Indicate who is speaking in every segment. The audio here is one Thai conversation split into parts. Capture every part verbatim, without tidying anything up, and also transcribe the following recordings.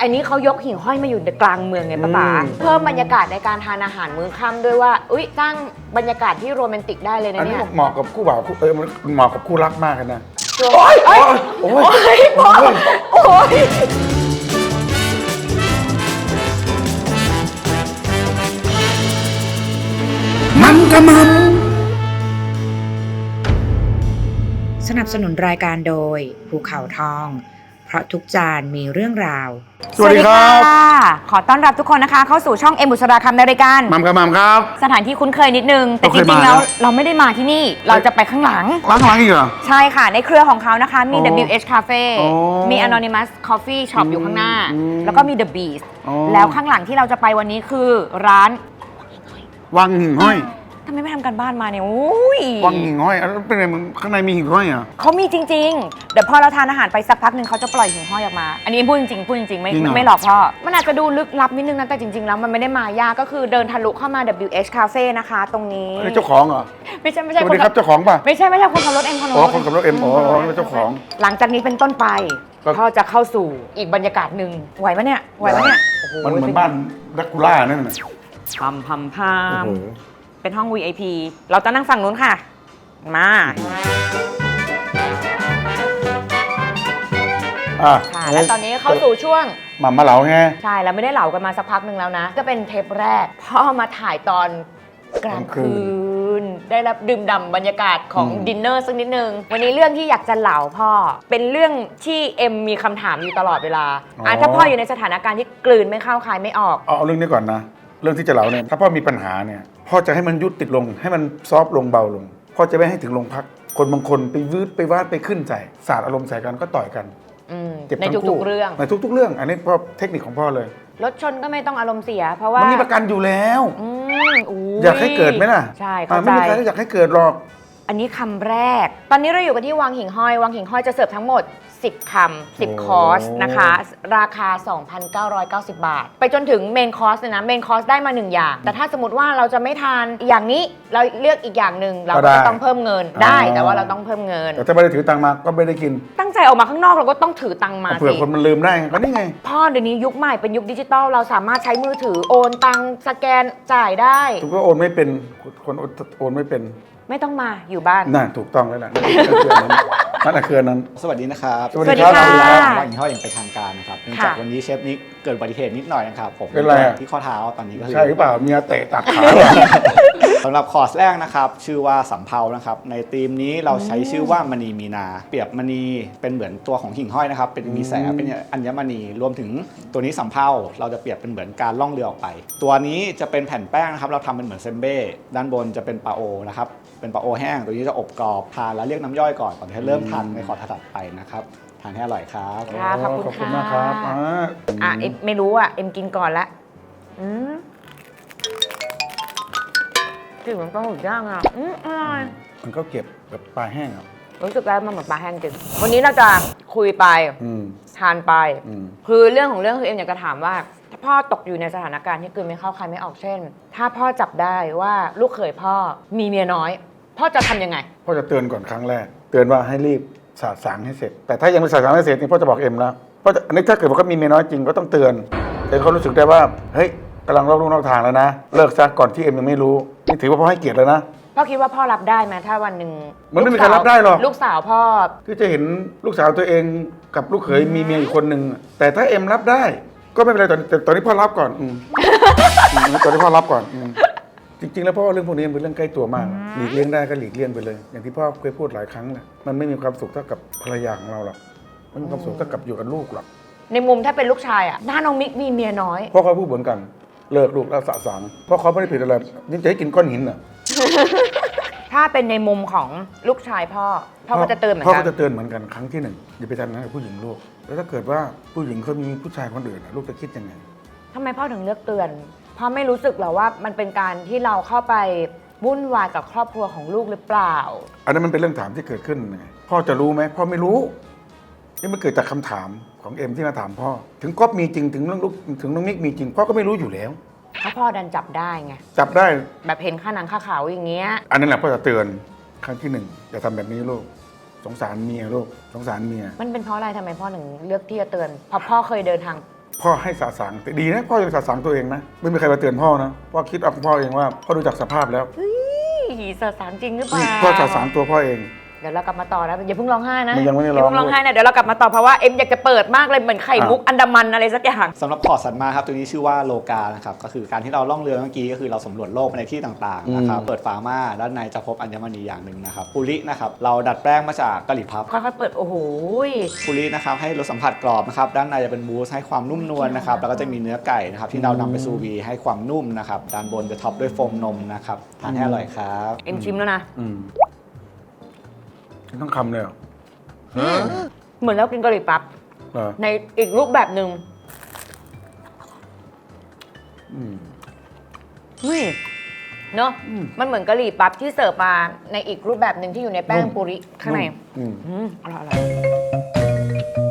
Speaker 1: อันนี้เขายกหิ่งห้อยมาอยู่ในกลางเมืองไงป้าป๋าเพิ่มบรรยากาศในการทานอาหารมื้อค่ำด้วยว่าอุ้ยสร้างบรรยากาศที่โรแมนติกได้เลยนะ
Speaker 2: อันนี้
Speaker 1: เนี่ย
Speaker 2: เหมาะกับคู่บ่าวคู่เออมันเหมาะกับคู่รักมากเลยนะ
Speaker 1: โอ้ยโอ้ย
Speaker 2: โอ้
Speaker 1: โอ้
Speaker 2: ย
Speaker 1: ยพ่อโอ้ย
Speaker 2: มันกะมัน
Speaker 3: สนับสนุนรายการโดยภูเขาทอง เพราะทุกจานมีเรื่องราว
Speaker 2: สวัสดีครับ
Speaker 1: ขอต้อนรับทุกคนนะคะเข้าสู่ช่องเอ็มบุษราคำในรายการ
Speaker 2: มัมกะมัมครับ
Speaker 1: สถานที่คุ้นเคยนิดนึงแต่
Speaker 2: เรา
Speaker 1: จ
Speaker 2: เคย
Speaker 1: ริงๆ
Speaker 2: มา
Speaker 1: แล้ว
Speaker 2: นะ
Speaker 1: เราไม่ได้มาที่นี่เราจะไปข้างหลัง
Speaker 2: ล้างล้างอีกเหรอ
Speaker 1: ใช่ค่ะในเครือของเขานะคะมี
Speaker 2: อ๋อ
Speaker 1: ดับเบิลยู เอช Cafe
Speaker 2: อ๋อ
Speaker 1: มี Anonymous Coffee Shop อยู่ข้างหน้า
Speaker 2: อืม
Speaker 1: แล้วก็มี The Beast
Speaker 2: อ๋อ
Speaker 1: แล้วข้างหลังที่เราจะไปวันนี้คือร้าน
Speaker 2: วังหิ่งห้อย
Speaker 1: ทำไมไม่ทำกันบ้านมาเนี่ยอุ้ย
Speaker 2: วังหิ่งห้อยแล้วเป็นไงมันข้างในมีหิ่งห้อยเหรอ
Speaker 1: เขามีจริงๆ เดี๋ยวพอเราทานอาหารไปสักพักหนึ่งเขาจะปล่อยหิ่งห้อยออกมา อันนี้พูดจริงๆพูดจริงๆไม่
Speaker 2: จริงเหรอ
Speaker 1: ไม่หลอกพ่อมันอาจจะดูลึกลับนิดนึงนะแต่จริงๆแล้วมันไม่ได้มายากก็คือเดินทะลุเข้ามา ดับเบิลยู เอช Cafe นะคะตรงนี้
Speaker 2: อันนี้เจ้าของเหรอ
Speaker 1: ไม่ใช่ไม่
Speaker 2: ส
Speaker 1: ใช่
Speaker 2: วัสดีครับเจ้าของป่ะ
Speaker 1: ไม่ใช่ไม่ใช่คนขับรถเอ็มคนขับ
Speaker 2: อ๋อ
Speaker 1: รถ
Speaker 2: คนขับรถเอ็มอ๋ออ๋อเจ้าของ
Speaker 1: หลังจากนี้เป็นต้นไป
Speaker 2: ก็
Speaker 1: พ่อจะเข้าสู่อีกบรรยากาศหนึ่งไหวปะเนี่ยไหวปะเนี่ยโอ้โ
Speaker 2: มันเหมือนบ้านดักคูล่านั่นน่ะ
Speaker 1: พัมพัมพั
Speaker 2: โอ้
Speaker 1: ม
Speaker 2: โห
Speaker 1: เป็นห้อง วี ไอ พี เราจะนั่งฝั่งนู้นค่ะ มา
Speaker 2: อ่ะ
Speaker 1: ค่ะและตอนนี้เข้าสู่ช่วง
Speaker 2: หม่ำมาเหลาไง
Speaker 1: ใช่แล้วไม่ได้เหลากันมาสักพักหนึ่งแล้วนะ ก็เป็นเทปแรก พ่อมาถ่ายตอนกลางคืน ได้รับดื่มด่ำบรรยากาศของ
Speaker 2: อืม
Speaker 1: ดินเนอร์สักนิดนึง วันนี้เรื่องที่อยากจะเหลาพ่อ เป็นเรื่องที่เอ็มมีคำถามอยู่ตลอดเวลาอ่ะถ้าพ่ออยู่ในสถานการณ์ที่กลืนไม่เข้าคายไม่ออก
Speaker 2: เอาเอาเรื่องนี้ก่อนนะ เรื่องที่จะเหลาเนี่ยถ้าพ่อมีปัญหาเนี่ยพ่อจะให้มันยุติลงให้มันซอฟต์ลงเบาลงพ่อจะไม่ให้ถึงโรงพัก คนบางคนไปวืดไปวาดไปขึ้นใส่สาดอารมณ์ใส่กันก็ต่อยกัน
Speaker 1: อืม
Speaker 2: เจ็บ
Speaker 1: ใน
Speaker 2: ทั้ง
Speaker 1: ทุ
Speaker 2: คู่
Speaker 1: กๆเรื่อง
Speaker 2: ในทุก ๆ เรื่อง อันนี้พ่อเทคนิคของพ่อเลย
Speaker 1: รถชนก็ไม่ต้องอารมณ์เสีย เพราะว่า
Speaker 2: มั
Speaker 1: มัน
Speaker 2: มีประกันอยู่แล้ว
Speaker 1: อืมอุ้
Speaker 2: อยากให้เกิดไหมล่ะ
Speaker 1: ใช่
Speaker 2: อ่า
Speaker 1: เข้าใจ
Speaker 2: ไม่มีใครอยากให้เกิดหรอก
Speaker 1: อันนี้คำแรก ตอนนี้เราอยู่กันที่วังหิ่งห้อย วังหิ่งห้อยจะเสิร์ฟทั้งหมด สิบ คำ สิบ คอร์สนะคะ ราคา สองพันเก้าร้อยเก้าสิบ บาท ไปจนถึงเมนคอร์สเลยนะ เมนคอร์สได้มาหนึ่งอย่าง แต่ถ้าสมมติว่าเราจะไม่ทานอย่างนี้ เราเลือกอีกอย่างหนึ่งเรา
Speaker 2: ก็
Speaker 1: ก็
Speaker 2: ได้
Speaker 1: จะต้องเพิ่มเงิน
Speaker 2: อ๋อ
Speaker 1: ได้ แต่ว่าเราต้องเพิ่มเงิน
Speaker 2: แต่ถ้าไม่ได้ถือตังค์มาก็ไม่ได้กิน
Speaker 1: ตั้งใจออกมาข้างนอกเราก็ต้องถือตังค์มา
Speaker 2: เผื่อ
Speaker 1: สิ
Speaker 2: คนมันลืมได้ก็นี่ไง
Speaker 1: พ่อเดี๋ยวนี้ยุคใหม่เป็นยุคดิจิตอลเราสามารถใช้มือถือโอนตังค์สแกนจ่ายได้
Speaker 2: ถูกก็โอนไม่เป็นคนโอนไม่เป็น
Speaker 1: ไม่ต้องมาอยู่บ้าน
Speaker 2: น่าถูกต้องแล้วล่ะนั่นคืออันนั้น
Speaker 4: สวัสดีนะครับ
Speaker 2: สวัสดีครับ
Speaker 1: สวัสดีค่ะ
Speaker 4: ว่าอินทอดอย่างเป็นทางการนะครับเนื่องจากวันนี้เชฟนิกเกิดอุบัติเหตุนิดหน่อยนะครับผม
Speaker 2: เป็นไรอะ
Speaker 4: ที่ข้อเท้าตอนนี้ก็คือ
Speaker 2: ใช่หรือเปล่าเมียเตะตัดขา
Speaker 4: สำหรับคอร์สแรกนะครับชื่อว่าสำเภานะครับในธีมนี้เราใช้ชื่อว่ามณีมีนา เปรียบมณีเป็นเหมือนตัวของหิ่งห้อยนะครับเป็นมีแสงเป็นอัญมณีรวมถึงตัวนี้สำเภาเราจะเปรียบเป็นเหมือนการล่องเรือออกไป ตัวนี้จะเป็นแผ่นแป้งนะครับเราทำเป็นเหมือนเซมเบ้ด้านบนจะเป็นปลาโอนะครับเป็นปลาโอแห้งตัวนี้จะอบกรอบทานแล้วเรียกน้ำย่อยก่อนก่อนที่เริ่มทานในคอร์สถัดไปนะครับทานให้อร่อยครับ
Speaker 1: ค่ะขอบคุณ
Speaker 2: ขอบคุณ
Speaker 1: ค่ะ
Speaker 2: มากครับอ่า
Speaker 1: อ่ะเอ็มไม่รู้อ่ะ เอ็มกินก่อนละอืมกลิ่นมันปลาหมึกย่างอ่ะอืมอร่อย
Speaker 2: มันก็เก็บแบบปลาแห้งอ่ะ
Speaker 1: รู้สึกได้มันเหมือนปลาแห้งจริง วันนี้เราจะคุยไป
Speaker 2: อืม
Speaker 1: ทานไป
Speaker 2: อืม
Speaker 1: คือเรื่องของเรื่องคือเอ็มอยากจะถามว่า ถ้าพ่อตกอยู่ในสถานการณ์ที่กลืนไม่เข้าคายไม่ออกเช่น ถ้าพ่อจับได้ว่าลูกเขยพ่อมีเมียน้อย พ่อจะทำยังไง
Speaker 2: พ่อจะเตือนก่อนครั้งแรก เตือนว่าให้รีบสาดสางให้เสร็จ แต่ถ้ายังไม่สาดสางให้เสร็จนี่พ่อจะบอกเอ็มแล้วพ่อจะอันนี้ถ้าเกิดว่าเขามีเมียน้อยจริงก็ต้องเตือนเตือนเขารู้สึกได้ว่าเฮ้ยกำลังลอกลูกนอกทางแล้วนะเลิกซะก่อนที่เอ็มยังไม่รู้นี่ถือว่าพ่อให้เกียรติแล้วนะ
Speaker 1: พ่อคิดว่าพ่อรับได้ไหมถ้าวันหนึ่ง
Speaker 2: มันไม่มีใครรับได้หรอก
Speaker 1: ลูกสาวพ่อ
Speaker 2: ที่จะเห็นลูกสาวตัวเองกับลูกเขยมีเมียอีกคนหนึ่งแต่ถ้าเอ็มรับได้ ก็ไม่เป็นไรตอนแต่ตอนนี้พ่อรับก่อนอืมอืมตอนนี้พ่อรับก่อนอืมจริงๆแล้วพ่อว่าเรื่องพวกนี้มันเป็นเรื่องใกล้ตัวมากหลีกเลี่ยงได้ก็หลีกเลี่ยงไปเลย อย่างที่พ่อเคยพูดหลายครั้งแหละมันไม่มีความสุขเท่ากับภรรยาของเราหรอกไม่มีความสุขเท่ากับอยู่กับลูกหรอก
Speaker 1: ในมุมถ้าเป็นลูกชายอ่ะหน้าน้องมิกมีเมียน้อย
Speaker 2: พ่อเขาพูดเหมือนกันเลิกลูกแล้วสะสางเพราะเขาไม่ได้ผิดอะไรนี่จะให้กินก้อนหินเหรอ
Speaker 1: ถ้าเป็นในมุมของลูกชายพ่อ พ่อก็จะเตือนเหมือน
Speaker 2: พ่อ
Speaker 1: กั
Speaker 2: ก็
Speaker 1: น
Speaker 2: จะเตือนเหมือนกันครั้งที่หนึ่งอย่าไปทำอย่างนั้นกับผู้หญิงลูกแล้วถ้าเกิดว่าผู้หญิงเขามีผู้ชายคนอื่นอะลูกจะคิดยังไง
Speaker 1: ทำไมพ่อถึงเลือกเตือนพ่อไม่รู้สึกหรอว่ามันเป็นการที่เราเข้าไปวุ่นวายกับครอบครัวของลูกหรือเปล่า
Speaker 2: อันนั้นมันเป็นเรื่องถามที่เกิดขึ้นไงพ่อจะรู้ไหมพ่อไม่รู้นี่มันเกิดจากคำถามของเอ็มที่มาถามพ่อถึงก๊อฟมีจริงถึงเรื่องลูกถึงน้องมิกมีจริงพ่อก็ไม่รู้อยู่แล้ว
Speaker 1: ถ้าพ่อดันจับได้ไง
Speaker 2: จับได้
Speaker 1: แบบเห็นข้าหนังข้าขาวอย่างเงี้ย
Speaker 2: อันนั้นแหละพ่อจะเตือนครั้งที่หนึ่งอย่าทำแบบนี้ลูกสงสารเมียลูกสงสารเมีย
Speaker 1: มันเป็นเพราะอะไรทำไมพ่อถึงเลือกที่จะเตือนเพราะพ่อเคยเดินทาง
Speaker 2: พ่อให้สาสางแต่ดีนะพ่อยังสาสางตัวเองนะไม่มีใครมาเตือนพ่อนะพ่อคิดเอาของพ่อเองว่าพ่อดูจากสภาพแล้ว
Speaker 1: หีสสารจริงหรือเปล่า
Speaker 2: พ่อสาสางตัวพ่อเอง
Speaker 1: เดี๋ยวเรากลับมาต่อนะอย่าเพิ่งร้องไห้นะ
Speaker 2: มันยังไม่ได้
Speaker 1: อย่าเพิ่ง
Speaker 2: ร้
Speaker 1: ร้
Speaker 2: อ
Speaker 1: อง งไห้นะเดี๋ยวเรากลับมาต่อเพราะว่าเอ็มอยากจะเปิดมากเลยเหมือนไข่มุกอันดามันอะไรสักอย่าง
Speaker 4: สำหรับพอร์ตสัตว์มาครับตัวนี้ชื่อว่าโลกานะครับก็คือการที่เราล่องเรือเมื่อกี้ก็คือเราสำรวจโลกไปในที่ต่างๆนะครับเปิดฝามาด้านในจะพบอัญมณีอย่างหนึ่งนะครับปุรินะครับเราดัดแปลงมาจากกะหรี่พับ
Speaker 1: ค่อยๆเปิดโอ้โห
Speaker 4: ปุรินะครับให้รสสัมผัสกรอบนะครับด้านในจะเป็นมูสให้ความนุ่มนวลนะครับแล้วก็จะมีเนื้อไก่นะครับที่เรานำไปซูวีให้ความนุ่มนะครับด้านบนจะท็อปด้วยโฟมนมนะครับทานให้อร่อยครับ
Speaker 1: เอ็มชิมแล้วนะ
Speaker 2: อืมต้องคำเลยเหรอ
Speaker 1: เหมือนเรากินกะหรี่ปั๊บ
Speaker 2: เหรอ
Speaker 1: ในอีกรูปแบบหนึ่ง
Speaker 2: อืม
Speaker 1: นี่เนาะ
Speaker 2: อืม
Speaker 1: มันเหมือนกะหรี่ปั๊บที่เสิร์ฟมาในอีกรูปแบบหนึ่งที่อยู่ในแป้ง
Speaker 2: นุ่ม
Speaker 1: ปุริข้างใน
Speaker 2: อืม
Speaker 1: อืมอร่อยอร่อย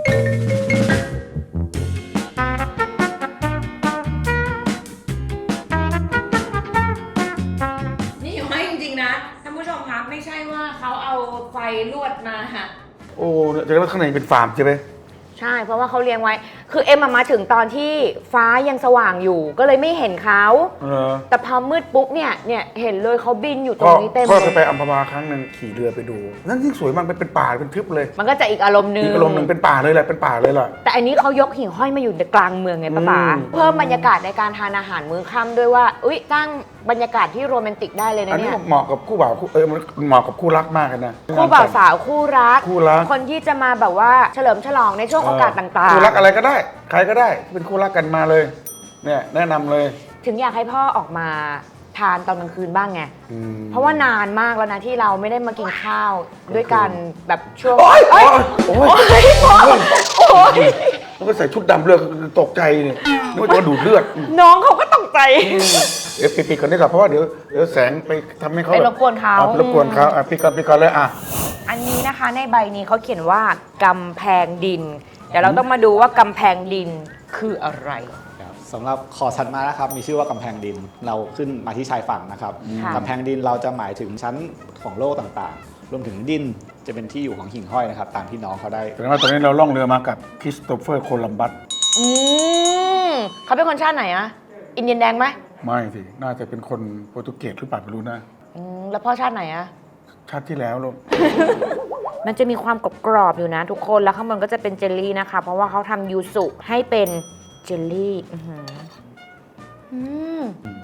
Speaker 1: นี่อยู่ให้จริงๆนะท่านผู้ชมครับไม่ใช่ว่าเขาเอาไฟลวดมาค่ะ
Speaker 2: โอ้จะว่าข้างในเป็นฟาร์มใช่ไหม
Speaker 1: ใช่ เพราะว่าเขาเลี้ยงไว้ คือเอ็มอะมาถึงตอนที่ฟ้ายังสว่างอยู่ ก็เลยไม่เห็นเขา
Speaker 2: เออ
Speaker 1: แต่พอมืดปุ๊บเนี่ย เนี่ยเห็นเลยเขาบินอยู่ตร
Speaker 2: พ่อง
Speaker 1: นี้เต็ม
Speaker 2: พ่อ
Speaker 1: เล
Speaker 2: เคยไป
Speaker 1: ย
Speaker 2: อัมพวาครั้งหนึ่งขี่เรือไปดู นั่นยิ่งสวยมากเป็นเป็นป่าเป็นทึบเลย
Speaker 1: มันก็จะอีกอารมณ์นึง
Speaker 2: อีกอารมณ์หนึ่งเป็นป่าเลยแหละเป็นป่าเลยล่ะ
Speaker 1: แต่อันนี้เขายกหิ่งห้อยมาอยู่ในกลางเมืองไงป้าป๋า
Speaker 2: อืม
Speaker 1: เพิ่มบรรยากาศในการทานอาหารมื้อค่ำด้วยว่า อุ้ยสร้างบรรยากาศที่โรแมนติกได้เลย
Speaker 2: อั
Speaker 1: นะ
Speaker 2: นนี้
Speaker 1: เนี่ย
Speaker 2: เหมาะกับคู่บ่าวคู่เออมันเหมาะกับคู่รักมากเลยนะ
Speaker 1: คู่บ่าวสาวคู่รัก
Speaker 2: คู่รัก
Speaker 1: คนที่จะมาแบบว่าเฉลิมฉลองในช่วงโอกาสต่าง
Speaker 2: คู่รักอะไรก็ได้ ใครก็ได้เป็นคู่รักกันมาเลย เนี่ยแนะนำเลย
Speaker 1: ๆ ถึงอยากให้พ่อออกมาทานตอนกลางคืนบ้างไง
Speaker 2: อืม
Speaker 1: เพราะว่านานมากแล้วนะที่เราไม่ได้มากินข้าวด้วยกันแบบช่วง
Speaker 2: โอ๊ย
Speaker 1: เอ้ย
Speaker 2: โอ๊ย
Speaker 1: โอ๊ยโอ๊ย
Speaker 2: แล้วก็ใส่ชุดดำเลือดตกใจเนี่ยนึกว่าจะมาดูดเลือด
Speaker 1: น้องเขาก็ตกใจ
Speaker 2: เดี๋ยวปิดๆก่อนดีกว่าเพราะว่าเดี๋ยวเดี๋ยวแสงไปทำให้เขา
Speaker 1: ไปรบกวนเขา
Speaker 2: อ่ไปรบกวนเขาอ่ะปิดก่อนปิดก่อนเลยอ่ะ
Speaker 1: อันนี้นะคะในใบนี้เขาเขียนว่ากำแพงดิน เดี๋ยวเราต้องมาดูว่ากำแพงดินคืออะไร
Speaker 4: ครับสำหรับคอร์ตสัตว์มานะครับมีชื่อว่ากำแพงดินเราขึ้นมาที่ชายฝั่งนะครับ
Speaker 1: ค่ะ
Speaker 4: กำแพงดินเราจะหมายถึงชั้นของโลกต่างๆ รวมถึงดินจะเป็นที่อยู่ของหิ่งห้อยนะครับตามที่น้องเขาได้
Speaker 2: แสดงว่าตอนนี้เราล่องเรือมากับคริสโตเฟอร์โคลัมบัส
Speaker 1: อืมเขาเป็นคนชาติไหนอะอินเดียนแดงไหม
Speaker 2: ไม่สิน่าจะเป็นคนโปรตุเกสหรือเปล่าไม่รู้นะ
Speaker 1: อืมแล้วพ่อชาติไหนอะ
Speaker 2: ชาติที่แล้วลูก
Speaker 1: มันจะมีความกรอบๆอยู่นะทุกคนแล้วข้างบนก็จะเป็นเจลลี่นะคะ เพราะว่าเขาทำยูสุให้เป็นเจลลี่อื้อหืออืม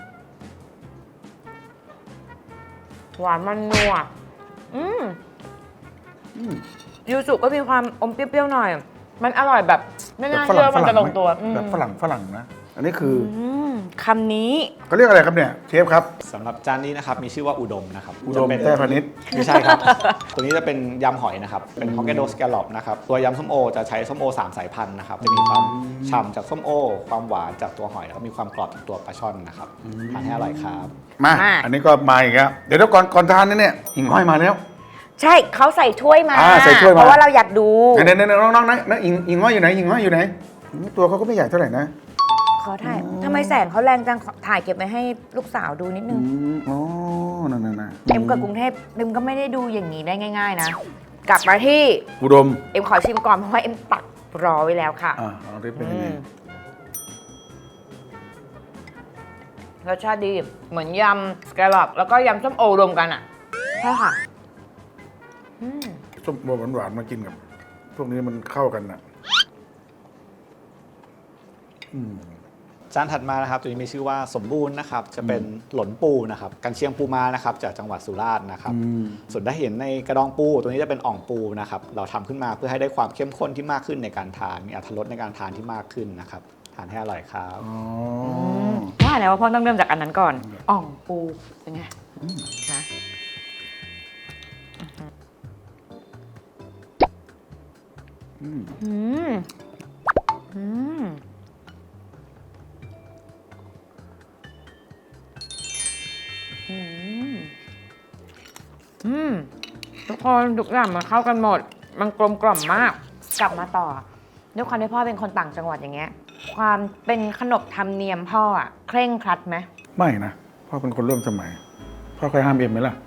Speaker 1: หวานมันนัวอืม
Speaker 2: อืม
Speaker 1: ยูสุก็มีความอมเปรี้ยวๆหน่อย มันอร่อยแบบไม่น่าเชื่อมันจะลงตัวอืม
Speaker 2: แบบฝรั่งฝรั่งนะ อันนี้คืออ
Speaker 1: อืมคำนี้
Speaker 2: เขาเรียกอะไรครับเนี่ยเชฟครับ
Speaker 4: สำหรับจานนี้นะครับมีชื่อว่าอุดมนะครับ
Speaker 2: อุดม
Speaker 4: จะเป็น
Speaker 2: แต้พาณิชย์
Speaker 4: ไม่ใช่ครับ ตัวนี้จะเป็นยำหอยนะครับ เป็นฮอกไกโดสแกลลอปนะครับ ตัวยำส้มโอจะใช้ส้มโอสามสายพันธุ์นะครับ จะมีความฉ่ำจากส้มโอ ความหวานจากตัวหอยแล้วก็มีความกรอบจากตัวปลาช่อนนะครับทานให้อร่อยครับ
Speaker 2: มา
Speaker 1: มา
Speaker 2: อันนี้ก็มาอีกแล้วเดี๋ยวเดี๋ยวก่อนก่อนทานนี่เนี่ยหิ่งห้อยมาแล้ว
Speaker 1: ใช่เขาใส่ถ้วยมา
Speaker 2: อ่าใส่ถ้วยมา
Speaker 1: เพราะว่าเราอยากดู
Speaker 2: ไหนไหนไหนน้องน้องๆนะนะหิ่งหิ่งห้อยอยู่ไหนหิ่งห้อยอยู่ไหนอืมตัวเขาก็ไม่ใหญ่เท่าไหร่นะ
Speaker 1: ขอถ่ายทำไมแสงเขาแรงจังขอถ่ายเก็บไว้ให้ลูกสาวดูนิดนึ
Speaker 2: อื
Speaker 1: ง
Speaker 2: มอ๋อนั่นนั่นนั่น
Speaker 1: เอ็มกับกรุงเทพเอ็มก็ไม่ได้ดูอย่างนี้ได้ง่าย ๆ นะ กลับมาที่
Speaker 2: อุดม
Speaker 1: เอ็มขอชิมก่อนเพราะว่าเอ็มตักรอไว้แล้วค่ะ
Speaker 2: อ่าเอาได้เป็นยังไง
Speaker 1: อืมรสชาติดีเหมือนยำสแกลลอปแล้วก็ยำส้มโอรวมกันอ่ะใช่ค่ะอืม
Speaker 2: ส้มโอหวานๆมากินกับ พวกนี้มันเข้ากันน่ะอืม
Speaker 4: จานถัดมานะครับตัวนี้มีชื่อว่าสมบูรณ์นะครับ จะเป็นหลนปูนะครับกันเชียงปูมานะครับจากจังหวัดสุราษฎร์นะครับ
Speaker 2: อืม
Speaker 4: ส่วนถ้าเห็นในกระดองปูตัวนี้จะเป็นอ่องปูนะครับ เราทำขึ้นมาเพื่อให้ได้ความเข้มข้นที่มากขึ้นในการทาน มีอรรถรสในการทานที่มากขึ้นนะครับ ทานให้อร่อยครับ
Speaker 2: อ๋อ
Speaker 1: ว่าแล้วว่าพ่อต้องเริ่มจากอันนั้นก่อน อ่องปูเป็นไงนะ
Speaker 2: อืม
Speaker 1: อืมอืมอืมอืมทุกคนทุกอย่างมันเข้ากันหมด มันกลมกล่อมมาก กลับมาต่อด้วยความที่พ่อเป็นคนต่างจังหวัดอย่างเงี้ย ความเป็นขนบธรรมเนียมพ่ออะเคร่งครัดไหม
Speaker 2: ไม่นะพ่อเป็นคนร่วมสมัย พ่อเคยห้ามเอ็มไหมล่ะ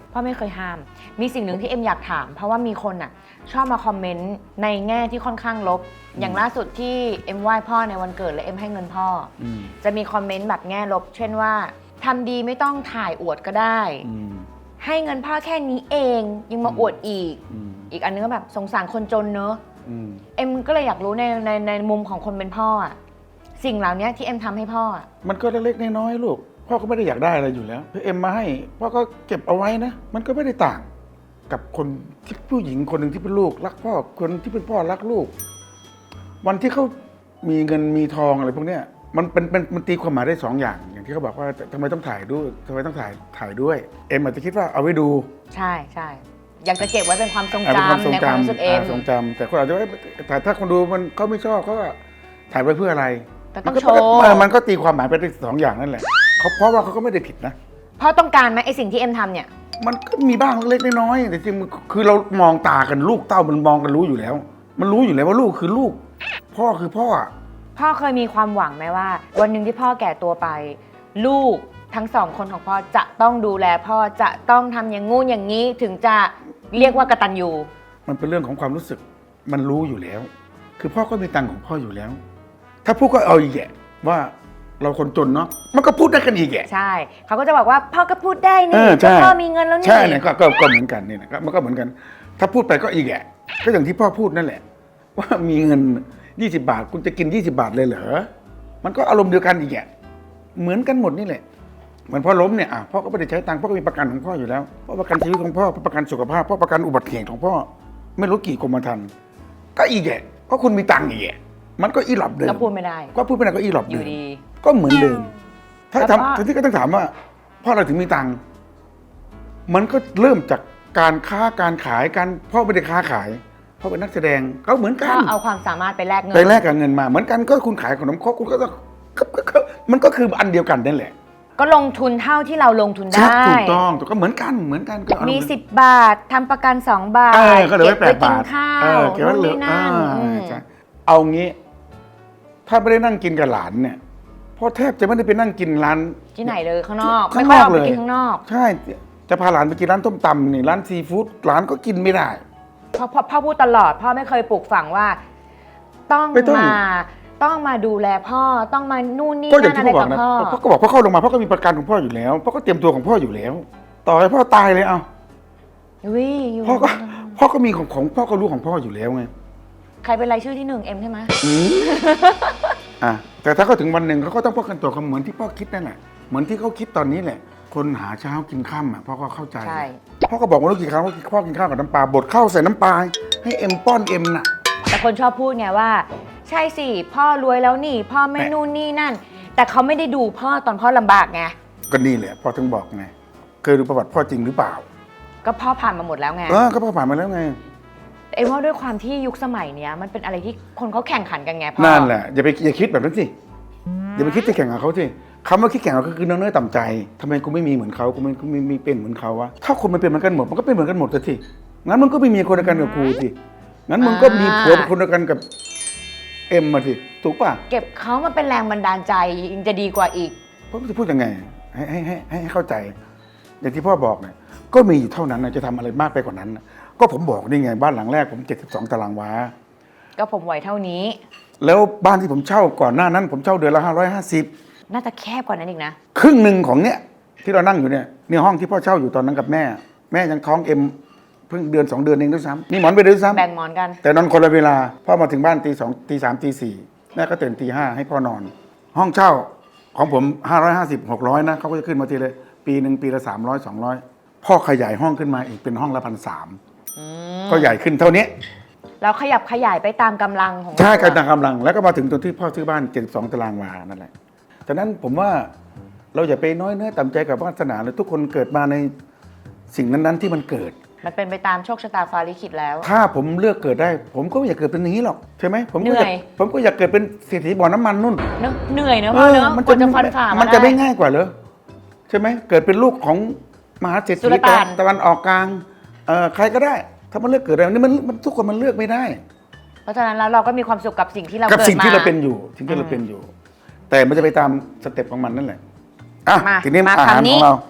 Speaker 1: พ่อไม่เคยห้าม มีสิ่งหนึ่งที่เอ็มอยากถาม เพราะว่ามีคนอ่ะชอบมาคอมเมนต์ในแง่ที่ค่อนข้างลบ อย่างล่าสุดที่เอ็มไหว้พ่อในวันเกิดและเอ็มให้เงินพ่ออ
Speaker 2: ม
Speaker 1: จะมีคอมเมนต์แบบแง่ลบ เช่นว่าทำดีไม่ต้องถ่ายอวดก็ได้
Speaker 2: อืม
Speaker 1: ให้เงินพ่อแค่นี้เองยังมาอวดอีก
Speaker 2: อืม
Speaker 1: อีกอันนึงก็แบบสงสารคนจนเนอะ
Speaker 2: อืม
Speaker 1: เอ็มก็เลยอยากรู้ในในในมุมของคนเป็นพ่ออะสิ่งเหล่านี้ที่เอ็มทำให้พ่ออะ
Speaker 2: มันก็เล็กๆน้อยๆลูกพ่อก็ไม่ได้อยากได้อะไรอยู่แล้วพี่เอ็มมาให้พ่อก็เก็บเอาไว้นะ มันก็ไม่ได้ต่าง กับคนที่ผู้หญิงคนหนึ่งที่เป็นลูกรักพ่อคนที่เป็นพ่อรักลูก วันที่เขามีเงินมีทองอะไรพวกเนี้ยมันเป็นเป็นมันตีความหมายได้สองอย่าง อย่างที่เขาบอกว่าทำไมต้องถ่ายด้วยทำไมต้องถ่ายถ่ายด้วย เอ็มอาจจะคิดว่าเอาไว้ดู
Speaker 1: ใช่ใช่อยากจะเก็บไว้เป็นความทรง
Speaker 2: อ่าเป็นความ
Speaker 1: จำ
Speaker 2: ทรง
Speaker 1: ในความรู้
Speaker 2: จำ
Speaker 1: สึกเอ็ม
Speaker 2: อ่าทรงจำแต่คนอาจจะว่าแต่ถ้าคนดูมันเขาไม่ชอบเขาก็ถ่ายไว้เพื่ออะไร
Speaker 1: แต่ต้อง
Speaker 2: มัน
Speaker 1: โช
Speaker 2: ก็
Speaker 1: ว์
Speaker 2: เออมันก็ตีความหมายไปได้สองอย่างนั่นแหละเขาเพราะว่าเขาก็ไม่ได้ผิดนะ
Speaker 1: พ่อต้องการไหมไอสิ่งที่เอ็มทำเนี่ย
Speaker 2: มันก็มีบ้างเล็กๆน้อยๆแต่จริงๆมันคือเรามองตากันลูกเต้ามันมองกันรู้อยู่แล้ว มันรู้อยู่แล้วว่าลูกคือลูก พ่อคือพ่ออะ
Speaker 1: พ่อเคยมีความหวังไหมว่า วันหนึ่งที่พ่อแก่ตัวไป ลูกทั้งสองคนของพ่อจะต้องดูแลพ่อจะต้องทำอย่างงู้นอย่างนี้ถึงจะเรียกว่ากตัญญู
Speaker 2: มันเป็นเรื่องของความรู้สึกมันรู้อยู่แล้ว คือพ่อก็มีตังค์ของพ่ออยู่แล้ว ถ้าพูดก็เอาอีกแกว่าเราคนจนเนาะมันก็พูดได้กันอีกแก
Speaker 1: ใช่เขาก็จะบอกว่าพ่อก็พูดได้
Speaker 2: เอ
Speaker 1: นี่
Speaker 2: อใช่
Speaker 1: ก็พ่อมีเงินแล้วนี่
Speaker 2: ใช่เนี่ยก็ก็ก็เหมือนกันนี่นะก็มันก็เหมือนกัน ถ้าพูดไปก็อีกแกก็อย่างที่พ่อพูดนั่นแหละ ว่ามีเงินยี่สิบบาทคุณจะกินยี่สิบาทเลยเหรอมันก็อารมณ์เดียวกันอีกแกเหมือนกันหมดนี่แหละเหมือนพ่อล้มเนี่ยอ่ะพ่อก็ไม่ได้ใช้ตังค์พ่อก็มีประกันของพ่ออยู่แล้วพ่อประกันชีวิตของพ่อพ่อประกันสุขภาพพ่อประกันอุบัติเหตุของพ่อไม่รู้กี่กรมธรรม์ก็อีกแกก็คุณมีตังค์อีกแกมันก็อีหลับเดิม
Speaker 1: ก็พูดไม่ได้
Speaker 2: ก็พูดไปไหนก็อีหลับ
Speaker 1: อ
Speaker 2: เดิ
Speaker 1: ยู่
Speaker 2: ม
Speaker 1: ดี
Speaker 2: ก็เหมือนเดิม ถ้า
Speaker 1: แล้วพ่อ
Speaker 2: ทำทีนี้ก็ต้องถามว่าพ่อเราถึงมีตังค์มันก็เริ่มจากการค้าการขายการพ่อไม่ได้ค้าขายพ่อเป็นนักแสดงก็เหมือนกั
Speaker 1: พ่
Speaker 2: น
Speaker 1: อเอาความสามารถไปแลกเงิน
Speaker 2: ไปแลกกับเงินมา เหมือนกันก็คุณขายขนมครกคุณก็ต้องก็ก็ก็มันก็คืออันเดียวกันนั่นแหละ
Speaker 1: ก็ลงทุนเท่าที่เราลงทุน
Speaker 2: ใช่
Speaker 1: ได้
Speaker 2: ถูกต้องถูกก็เหมือนกันเหมือนกันก็เอา
Speaker 1: มี
Speaker 2: เงิน
Speaker 1: สิบบาททำประกันสองบาท
Speaker 2: เออก็เหลือไว้แปด
Speaker 1: เก็บบ
Speaker 2: าท
Speaker 1: กินข้า
Speaker 2: เอ
Speaker 1: ว
Speaker 2: อเก็บไว้เหลือ
Speaker 1: นู่นนี่นั่น
Speaker 2: อ่า
Speaker 1: อืม
Speaker 2: ใช่เอางี้ ถ้าไม่ได้นั่งกินกับหลานเนี่ยพ่อแทบจะไม่ได้ไปนั่งกินร้าน
Speaker 1: ที่ไหนเลยข้างนอก
Speaker 2: ข้า
Speaker 1: ไม่
Speaker 2: ง
Speaker 1: ค่อย
Speaker 2: นอก
Speaker 1: ออกไป
Speaker 2: เลย
Speaker 1: กินข้างนอก
Speaker 2: ใช่จะพาหลานไปกินร้านต้มตำนี่ร้านซีฟู้ดหลานก็กินไม่ได้
Speaker 1: พ่อพ่อพ่อพูดตลอด พ่อไม่เคยปลูกฝังว่า ต้อง
Speaker 2: ไม่ต้อง
Speaker 1: มาต้องมาดูแลพ่อต้องมานู่นนี่
Speaker 2: ก็อย่าง
Speaker 1: นั่น
Speaker 2: ที่
Speaker 1: อะไร
Speaker 2: พ่อบอก
Speaker 1: กับ
Speaker 2: นะ
Speaker 1: พ่อ
Speaker 2: พ่อก็บอกพ่อเข้าลงมาพ่อก็มีประกันของพ่ออยู่แล้วพ่อก็เตรียมตัวของพ่ออยู่แล้ว ต่อให้พ่อตายเลยเอา
Speaker 1: วิอยู่
Speaker 2: พ่อก็พ่อก็มีของของพ่อก็รู้ของพ่ออยู่แล้วไง
Speaker 1: ใครเป็นรายชื่อที่หนึ่งเอ็มใช่ไหม
Speaker 2: อืมอ่ะแต่ถ้าเขาถึงวันหนึ่งเขาก็ต้องป้องกันตัวเขาเหมือนที่พ่อคิดนั่นแหละเหมือนที่เขาคิดตอนนี้แหละ คนหาเช้ากินค่ำอ่ะพ่อก็เข้าใจ
Speaker 1: ใช่
Speaker 2: พ่อก็บอกว่าลูกกี่ครั้งว่าพ่อกินข้าวกับน้ำปลาบดข้าวใส่น้ำปลาให้เอ็มป้อนเอ็มน่ะ
Speaker 1: แต่คนชอบพูดไงว่า ใช่สิพ่อรวยแล้วนี่ พ่อไม่
Speaker 2: แม่
Speaker 1: นู่นนี่นั่น แต่เขาไม่ได้ดูพ่อตอนพ่อลำบากไง
Speaker 2: ก็นี่แหละพ่อถึงบอกไงเคยดูประวัติพ่อจริงหรือเปล่า
Speaker 1: ก็พ่อผ่านมาหมดแล้วไง
Speaker 2: เออก็พ่อผ่านมาแล้วไง
Speaker 1: เอ็มว่าด้วยความที่ยุคสมัยเนี้ยมันเป็นอะไรที่คนเขาแข่งขันกันไงพ่อ
Speaker 2: นั่นแหละอย่าไปอย่าคิดแบบนั้นสิอย่าไปคิดจะแข่งกับเขาสิคำว่าคิดแข่งกับเขาคือเนื้อต่ำใจทำไมกูไม่มีเหมือนเขากูไม่กูไม่ไม่เป็นเหมือนเขาวะถ้าคนมันเป็นเหมือนกันหมดมันก็เป็นเหมือนกันหมดสิงั้นมันก็ไม่มีคนเดียวกันกับกูสิงั้นมึงก็มีผัวเป็นคนเดียวกันกับเอ็มมาสิถูกป่ะ
Speaker 1: เก็บเขามาเป็นแรงบันดาลใจยังจะดีกว่าอีก
Speaker 2: พ่อจะพูดยังไงให้ให้ให้ให้ให้เข้าใจ อย่างที่พ่อบอกเนี่ยก็มีอยู่เท่านั้นนะจะทำอะไรมากไปกว่านั้นนะก็ผมบอกนี่ไงบ้านหลังแรกผมเจ็ดสิบสองตารางวา
Speaker 1: ก็ผมไหวเท่านี้
Speaker 2: แล้วบ้านที่ผมเช่าก่อนหน้านั้น ผมเช่าเดือนละห้าร้อยห้าสิบ
Speaker 1: น่าจะแคบกว่านั้นอีกนะ
Speaker 2: ครึ่งหนึ่งของเนี้ยที่เรานั่งอยู่เนี่ยเนี่ยห้องที่พ่อเช่าอยู่ตอนนั้นกับแม่ แม่ยังท้องเอ็มเพิ่งเดือนสองเดือนเองด้วยซ้ำนี่หมอนไปด้วยซ้ำ
Speaker 1: แบ่งหมอนกัน
Speaker 2: แต่นอนคนละเวลาพ่อมาถึงบ้านตีสองตีสามตีสี่แม่ก็ตื่นตีห้าให้พ่อนอน ห้องเช่าของผมห้าร้อยห้าสิบหกร้อยนะเขาก็จะขึ้นมาทีเลยปีหนึ่งปีละสามร้อยสองร้อยพ่อขยายห้องขึ้นมาอีกเป็นห้องละพันสามก็ใหญ่ขึ้นเท่านี้
Speaker 1: เราขยับขยายไปตามกำลังของ
Speaker 2: ใช่
Speaker 1: เรา
Speaker 2: การต่างกำลังแล้วก็มาถึงตรงที่พ่อซื้อบ้านเจ็ดสิบสองตารางวานั่นแหละฉะนั้นผมว่าเราอย่าไปน้อยเนื้อต่ำใจกับวาสนาเลยทุกคนเกิดมาในสิ่งนั้นๆที่มันเกิด
Speaker 1: มันเป็นไปตามโชคชะตาฟ้าลิขิตแล้ว
Speaker 2: ถ้าผมเลือกเกิดได้ ผมก็ไม่อยากเกิดเป็นอย่างนี้หรอกใช่ไหมผมก็
Speaker 1: เหนื่
Speaker 2: อยา
Speaker 1: อย
Speaker 2: กผมก็อยากเกิดเป็นเศรษฐีบ่อน้ำมันนู่น
Speaker 1: เนอะเหนื่อยเนอะพ่อเนอะ
Speaker 2: มัน
Speaker 1: กว่าจะฟันฝ่า
Speaker 2: มั
Speaker 1: มัน
Speaker 2: จะไม่ง่ายกว่าเหรอใช่ไหมเกิดเป็นลูกของมหาเศรษ
Speaker 1: สุ
Speaker 2: ฐี
Speaker 1: ลต่าน
Speaker 2: ตะวันออกกลางเอ่อใครก็ได้ ถ้ามันเลือกเกิดอะไรนี่มันมันทุกคนมันเลือกไม่ได้
Speaker 1: เพราะฉะนั้นแล้วเราก็มีความสุขกับสิ่งที่เรา
Speaker 2: กับ
Speaker 1: เกิด
Speaker 2: สิ่งที่
Speaker 1: มา
Speaker 2: เราเป็นอยู่สิ่งที่เราเป็นอยู่ แต่มันจะไปตามสเต็ปของมันนั่นแหละอ่ะ
Speaker 1: มา
Speaker 2: ทีนี้
Speaker 1: มา
Speaker 2: อาหาร
Speaker 1: คำนี้
Speaker 2: ของเรา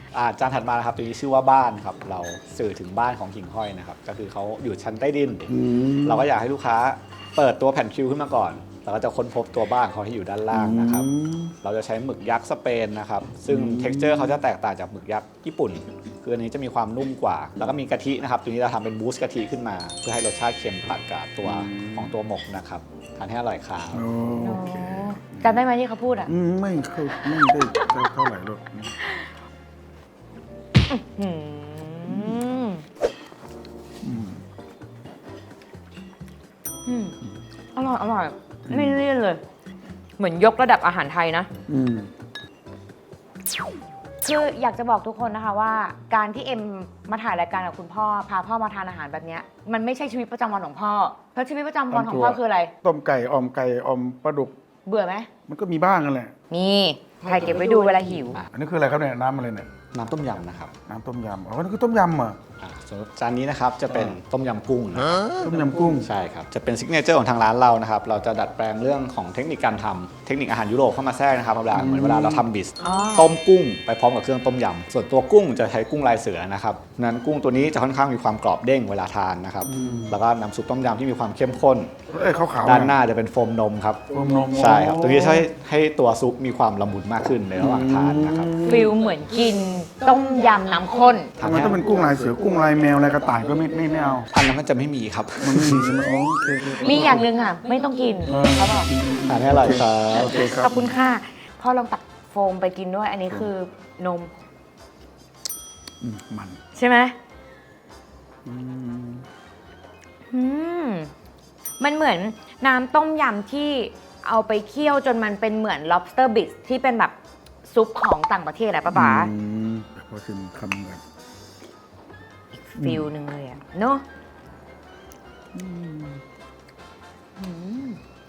Speaker 4: อ่าจานถัดมานะครับตัวนี้ชื่อว่าบ้านครับเราสื่อถึงบ้านของหิ่งห้อยนะครับก็คือเขาอยู่ชั้นใต้ดิน เราก็อยากให้ลูกค้าเปิดตัวแผ่นคิวขึ้นมาก่อนเราก็จะค้นพบตัวบ้านเขาที่อยู่ด้านล่างนะครับเราจะใช้หมึกยักษ์สเปนนะครับซึ่ง เท็กซ์เจอร์ เขาจะแตกต่างจากหมึกยักษ์ญี่ปุ่นคืออันนี้จะมีความนุ่มกว่าแล้วก็มีกะทินะครับตัวนี้เราทำเป็นบูสต์กะทิขึ้นมาเพื่อให้รสชาติเค็มตัดกับตัวของตัวหมกนะครับทานให้อร่อยครับ
Speaker 2: โอเค
Speaker 1: จำได้ไหมที่เขาพูดอ่ะ
Speaker 2: อืมไม่เข้าไม่ได้เท่าไหร่หรอก
Speaker 1: อืมอืมอร่อยอร่อยไม่เลี่ยนเลย เหมือนยกระดับอาหารไทยนะ
Speaker 2: อืม
Speaker 1: คืออยากจะบอกทุกคนนะคะว่าการที่เอ็มมาถ่ายรายการกับคุณพ่อพาพ่อมาทานอาหารแบบเนี้ยมันไม่ใช่ชีวิตประจำวันของพ่อเพราะชีวิตประจำวันของพ่อคืออะไร
Speaker 2: ต้มไก่ออมไก่ออมปลาดุก
Speaker 1: เบื่อไหม
Speaker 2: มันก็มีบ้างนั่นแหละ
Speaker 1: นี่ถ่ายเก็บไว้ดูเวลาหิว
Speaker 2: อันนี้คืออะไรครับเนี่ยน้ำอะไรเนี่ย
Speaker 4: น้ำต้มยำนะครับ
Speaker 2: น้ำต้มยำอ๋อนี่คือต้มยำเหรอ่ะ
Speaker 4: อ่าส่วนจานนี้นะครับจะเป็นต้มยำกุ้งนะ
Speaker 2: ต้มยำกุ้ง
Speaker 4: ใช่ครับจะเป็นซิกเนเจอร์ของทางร้านเรานะครับเราจะดัดแปลงเรื่องของเทคนิคการทำเทคนิคอาหารยุโรปเข้ามาแทรกนะครับเวลาเหมือนเวลาเราทำบิส
Speaker 1: อ๋อ
Speaker 4: ต้มกุ้งไปพร้อมกับเครื่องต้มยำส่วนตัวกุ้งจะใช้กุ้งลายเสือนะครับนั้นกุ้งตัวนี้จะค่อนข้างมีความกรอบเด้งเวลาทานนะครับแล้วก็น้ำซุปต้มยำที่มีความเข้มข้น
Speaker 2: เอ้ยขาวๆ
Speaker 4: ด้านหน้าจะเป็นโฟมนมครับ
Speaker 2: โฟมนม
Speaker 4: ใช่ครับตัวนี้ช่วยให้ตัวซุปมีความละมุนมากขึ้นในระหว่างทานนะครับ
Speaker 1: ฟิลเหมือนกินต้มยำน้ำข้น
Speaker 2: ทำไมต้องเป็นกุ้งลายเสือกุ้งลายแมวลายกระต่ายก็ไม่ไม่ไม่เอา
Speaker 4: อันนั้นมันจะไม่มีครับ
Speaker 2: มันไม่มีใช่ไหมอ๋อโอเคโอเค
Speaker 1: มีอย่างหนึ่งอ่ะ ไม่ต้องกินเขาบอก
Speaker 4: ทานให้อร่อยครับ
Speaker 2: โอเคครั
Speaker 1: ข
Speaker 2: บ
Speaker 1: อบคุณค่ะพ่อลองตักโฟมไปกินด้วย อันนี้คือนม
Speaker 2: อืมมัน
Speaker 1: ใช่ไหม
Speaker 2: อืม
Speaker 1: อืมมันเหมือนน้ำต้มยำที่เอาไปเคี่ยวจนมันเป็นเหมือน lobster bits ที่เป็นแบบซุปของต่างประเทศอะป้าป๋า
Speaker 2: อืมพอชิมคำแบบ
Speaker 1: ฟิลหนึ่งเลยอะเนาะอืม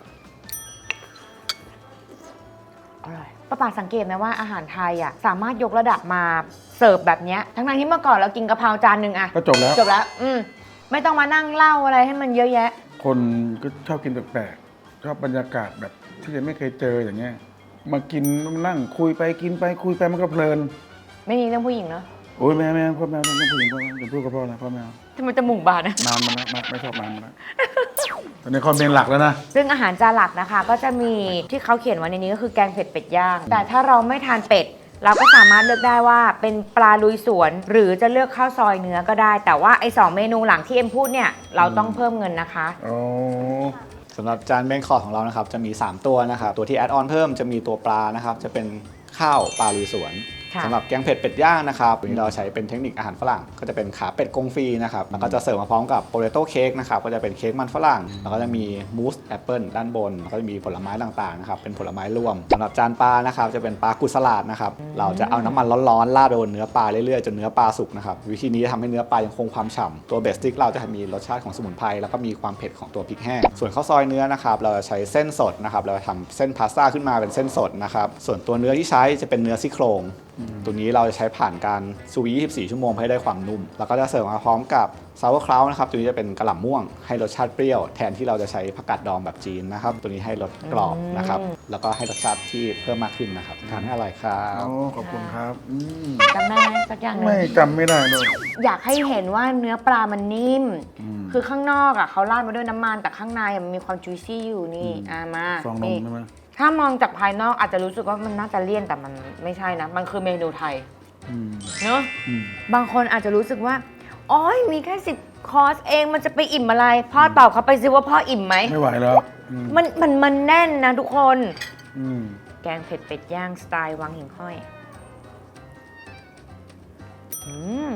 Speaker 1: อร่อยป้าป๋าสังเกตไหมว่าอาหารไทยอะสามารถยกระดับมาเสิร์ฟแบบเนี้ยทั้งๆที่เมื่อก่อนเรากินกะเพราจานหนึ่งอะ
Speaker 2: ก็จบแล้ว
Speaker 1: จบแล้ว อืมไม่ต้องมานั่งเล่าอะไรให้มันเยอะแยะ
Speaker 2: คนก็ชอบกินแปลกๆชอบบรรยากาศแบบที่ยังไม่เคยเจออย่างเงี้ย มากินมานั่งคุยไปกินไปคุยไปมันก็เพลิน
Speaker 1: ไม่มีเรื่องผู้หญิงเนาะ
Speaker 2: โอ้ยแม่แม่พ่อแม่ต้องผู้หญิงพ่อแม่อย่าพูดกับพ่อนะพ่อแม่
Speaker 1: ทำไมจมูกบานนะ
Speaker 2: นานมาแล้วไม่ไม่ชอบนานมาแล้วตอนนี้คอมเมนต์หลักแล้วนะ
Speaker 1: ซึ่งอาหารจานหลักนะคะ ก็จะมีที่เขาเขียนไว้ในนี้ก็คือแกงเผ็ดเป็ดย่าง แต่ถ้าเราไม่ทานเป็ด เราก็สามารถเลือกได้ว่าเป็นปลาลุยสวน หรือจะเลือกข้าวซอยเนื้อก็ได้ แต่ว่าไอ้สองเมนูหลังที่เอ็มพูดเนี่ยเราต้องเพิ่มเงินนะคะ
Speaker 2: อ๋อ
Speaker 4: สำหรับจานเมนคอร์สของเรานะครับจะมี สาม ตัวนะครับตัวที่แอดออนเพิ่มจะมีตัวปลานะครับจะเป็นข้าวปลาลุยสวน
Speaker 1: ค่ะ
Speaker 4: สำหรับแกงเผ็ดเป็ดย่างนะครับวันนี้เราใช้เป็นเทคนิคอาหารฝรั่ง ก็จะเป็นขาเป็ดกงฟรีนะครับแล้วก็จะเสิร์ฟมาพร้อมกับโปเตโต้เค้กนะครับก็จะเป็นเค้กมันฝรั่งแล้วก็จะมีมูสแอปเปิลด้านบนแล้วก็จะมีผลไม้ต่างๆนะครับเป็นผลไม้รวมสำหรับจานปลานะครับจะเป็นปลากุสลาดนะครับเราจะเอาน้ำมันร้อนๆราดบนเนื้อปลาเรื่อยๆจนเนื้อปลาสุกนะครับวิธีนี้จะทำให้เนื้อปลายังคงความฉ่ำตัวเบสสติ๊กเราจะมีรสชาติของสมุนไพรแล้วก็มีความเผ็ดของตัวพริกแห้งส่วนข้าวซอยเนื้อนะครับเราจะใช้เส้นสดนะครับเราจะทำเส้นพาสต้าขึ้นมาเป็นเส้นสดนะครับส่วนตัวเนื้อที่ใช้จะเป็นเนื้อซี่โครงตัวนี้เราจะใช้ผ่านการซูวียี่สิบสี่ชั่วโมงให้ได้ความนุ่มแล้วก็จะเสิร์ฟมาพร้อมกับซาวเวอร์คราวนะครับตัวนี้จะเป็นกระหล่ำม่วงให้รสชาติเปรี้ยวแทนที่เราจะใช้ผักกาดดองแบบจีนนะครับตัวนี้ให้รสกรอบนะครับแล้วก็ให้รสชาติที่เพิ่มมากขึ้นนะครับทานให้อร่อยครับ
Speaker 2: โอ้ขอบคุณครับอืม
Speaker 1: จำได้ไหมสักอย่างหนึง
Speaker 2: ไม่จำไม่ได้เลย
Speaker 1: อยากให้เห็นว่าเนื้อปลามันนิ่ม
Speaker 2: อืม
Speaker 1: คือข้างนอกอ่ะเขาราดมาด้วยน้ำมันแต่ข้างในอะมันมีความจุยซี่อยู่นี่อ่ามา
Speaker 2: ฟองนม
Speaker 1: นี่
Speaker 2: ใช่ไหม
Speaker 1: ถ้ามองจากภายนอกอาจจะรู้สึกว่ามันน่าจะเลี่ยนแต่มันไม่ใช่นะ มันคือเมนูไทย
Speaker 2: อืม
Speaker 1: เนอะ
Speaker 2: อืม
Speaker 1: บางคนอาจจะรู้สึกว่าอ๋อยมีแค่สิบคอร์สเองมันจะไปอิ่มอะไร พ่อตอบเขาไปสิว่าพ่ออิ่มไหม
Speaker 2: ไม่ไหวแล้วอืม
Speaker 1: มันมันมันแน่นนะทุกคน
Speaker 2: อืม
Speaker 1: แกงเผ็ดเป็ดย่างสไตล์วังหิ่งห้อยอืม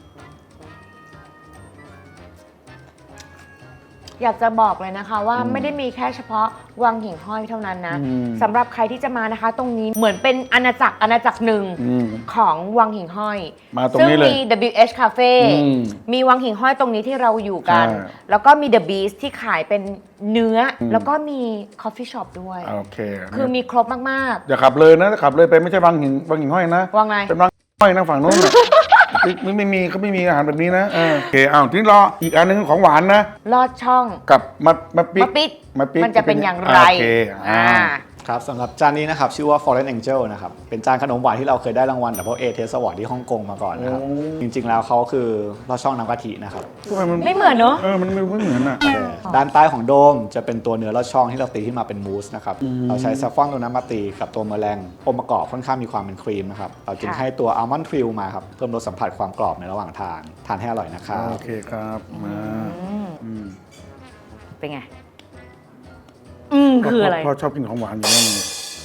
Speaker 1: อยากจะบอกเลยนะคะว่า
Speaker 2: อืม
Speaker 1: ไม่ได้มีแค่เฉพาะวังหิ่งห้อยเท่านั้นนะ
Speaker 2: อืม
Speaker 1: สำหรับใครที่จะมานะคะ ตรงนี้เหมือนเป็นอาณาจักรอาณาจักรหนึ่ง
Speaker 2: อืม
Speaker 1: ของวังหิ่งห้อย
Speaker 2: มาตรงนี้เลย
Speaker 1: ซึ่งมี ดับเบิลยู เอช Cafe
Speaker 2: อืม
Speaker 1: มีวังหิ่งห้อยตรงนี้ที่เราอยู่กัน
Speaker 2: ใช่
Speaker 1: แล้วก็มี The Beast ที่ขายเป็นเนื้ออ
Speaker 2: ม
Speaker 1: แล้วก็มี Coffee Shop ด้วย
Speaker 2: โอเค
Speaker 1: คือมีครบมาก
Speaker 2: อย่าขับเลยนะถ้าขับเลยไปไม่ใช่บางหินบางหินห้อยนะ
Speaker 1: ๆว่าไง
Speaker 2: เป็นบางห้อยนะฝั่งโน้นน่ะ ไม่ไม่มีเขาไม่มีอาหารแบบนี้นะเออโอเคอ้าวทีนี้รออีกอันหนึงของหวานนะ
Speaker 1: ลอดช่อง
Speaker 2: กับมะมะปิ
Speaker 1: มะปิด
Speaker 2: มะปิด
Speaker 1: มันจะเป็นอย่างไร
Speaker 2: โอเคอ่า
Speaker 1: อ่า
Speaker 4: ครับสำหรับจานนี้นะครับชื่อว่า Fallen Angel นะครับเป็นจานขนมหวานที่เราเคยได้รางวัล Double A Taste Award ที่ฮ่องกงมาก่อนนะครับ
Speaker 2: โอ้
Speaker 4: จริงๆแล้วเขาคือลอดช่องน้ำกะทินะครับ
Speaker 2: ทำไมมัน
Speaker 1: ไม่เหมือนเนอะ
Speaker 2: เออมันไม่ไม่เหมือนอ่ะ
Speaker 4: ด้านใต้ของโดมจะเป็นตัวเนื้อลอดช่องที่เราตีขึ้นมาเป็นมูสนะครับเราใช้ซัฟฟอนตัวนั้นมาตีกับตัวเมอแรงองค์ประกอบค่อนข้างมีความเป็นครีมนะครับเราจึง
Speaker 1: ค่ะ
Speaker 4: ให้ตัวอัลมอนด์ทริลมาครับเพิ่มรสสัมผัสความกรอบในระหว่างทานทานให้อร่อยนะครับ
Speaker 2: โอเคครับมา
Speaker 1: อืม
Speaker 2: อืม
Speaker 1: เป็นไง อืมคืออะไร
Speaker 2: พ่อชอบกินของหวานอยู่แล้วนี่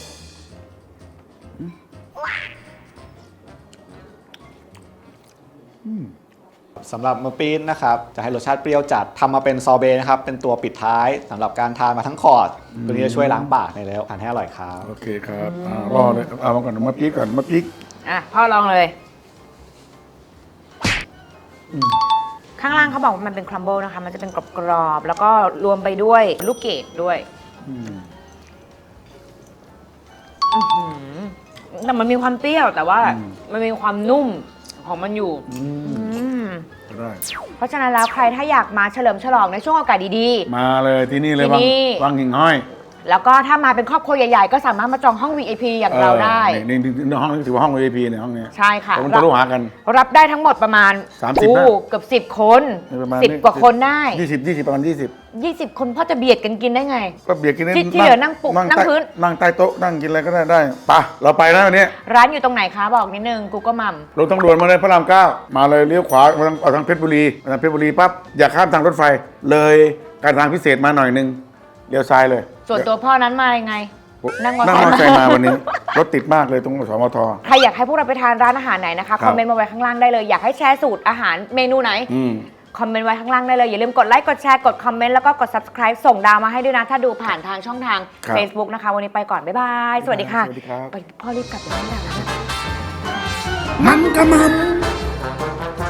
Speaker 2: อืม
Speaker 4: สำหรับมะปี๊ดนะครับจะให้รสชาติเปรี้ยวจัดทำมาเป็นซอเบต์นะครับเป็นตัวปิดท้ายสำหรับการทานมาทั้งคอร์สตัวนี้จะช่วยล้างปากในแล้วทานให้อร่อยครับ
Speaker 2: โอเคครับอ่ารอเลยเอามาก่อนมาปี๊กก่อนมาปี๊ก
Speaker 1: อ่ะพ่อลองเลย ข้างล่างเขาบอกว่ามันเป็นครัมเบิลนะคะ มันจะเป็นกรอบๆ แล้วก็รวมไปด้วยลูกเกดด้วย
Speaker 2: อืม
Speaker 1: อื้อหือแต่มันมีความเปรี้ยวแต่ว่ามันมีความนุ่มของมันอยู่
Speaker 2: อืม
Speaker 1: อืม
Speaker 2: ได้
Speaker 1: เพราะฉะนั้นแล้วใครถ้าอยากมาเฉลิมฉลองในช่วงโอกาสดี
Speaker 2: มาเลยที่นี่เลย
Speaker 1: ที่
Speaker 2: วัง
Speaker 1: นี่
Speaker 2: วังหิ่งห้อย
Speaker 1: ๆ แล้วก็ถ้ามาเป็นครอบครัวใหญ่ๆ ก็สามารถมาจองห้อง วี ไอ พี อย่างเราได้
Speaker 2: ออนี่นี่นี่ห้องนี้ถือว่าห้อง วี ไอ พี เนี่ยห้องเนี้ย
Speaker 1: ใช่ค่ะ
Speaker 2: แต่มันทะลุหากัน
Speaker 1: รับได้ทั้งหมดประมาณ
Speaker 2: สามสิบ
Speaker 1: โอ้
Speaker 2: นะ
Speaker 1: เกือบสิบคน
Speaker 2: ประมาณ
Speaker 1: สิบกว่าคนได้
Speaker 2: ยี่สิบยี่สิบประมาณยี่สิบ
Speaker 1: ยี่สิบคนพ่อจะเบียดกันกินได้ไง
Speaker 2: ก็เบียดกินได้
Speaker 1: ที่ที่เหลือนั่งปุกนั่ง
Speaker 2: ใต้
Speaker 1: พื้น
Speaker 2: นั่งใต้โต๊ะนั่งกินอะไรก็ได้ได้ไปะเราไปแล้ววันนี้
Speaker 1: ร้านอยู่ตรงไหนคะบอกนิดนึงกูก็มัม
Speaker 2: ลงทางด่วนมาเลยพระรามเก้ามาเลยเลี้ยวขวามาทางออกทางเพชรบุรีมาทางเพชรบุรีปั๊บอย่าข้ามทางรถไฟเลยการทางพิเศษมาหน่อยนึงเลี้ยวซ้ายเลย
Speaker 1: ส่วนตัวพ่อนั้นมายังไง นั่งมอเตอ
Speaker 2: นั่ง
Speaker 1: ร์
Speaker 2: มอ
Speaker 1: ไซ
Speaker 2: เตอร์
Speaker 1: ค์
Speaker 2: ไซค์มาวันนี้ รถติดมากเลยตรงสมท
Speaker 1: ใครอยากให้พวกเราไปทานร้านอาหารไหนนะคะ
Speaker 2: ครับ
Speaker 1: คอมเมนต์มาไว้ข้างล่างได้เลย อยากให้แชร์สูตรอาหารเมนูไหน
Speaker 2: อืม
Speaker 1: คอมเมนต์ไว้ข้างล่างได้เลย อย่าลืมกดไลค์ กดแชร์ กดคอมเมนต์ แล้วก็กด subscribe ส่งดาวมาให้ด้วยนะ ถ้าดูผ่านทางช่องทาง
Speaker 2: ครับ
Speaker 1: Facebook นะคะ วันนี้ไปก่อน บ๊ายบาย สวัสดีค่ะ
Speaker 2: สวัสดีครับ
Speaker 1: ไปพ่อรีบกลับไปบ้านแล้วนะ
Speaker 2: มันกะมัน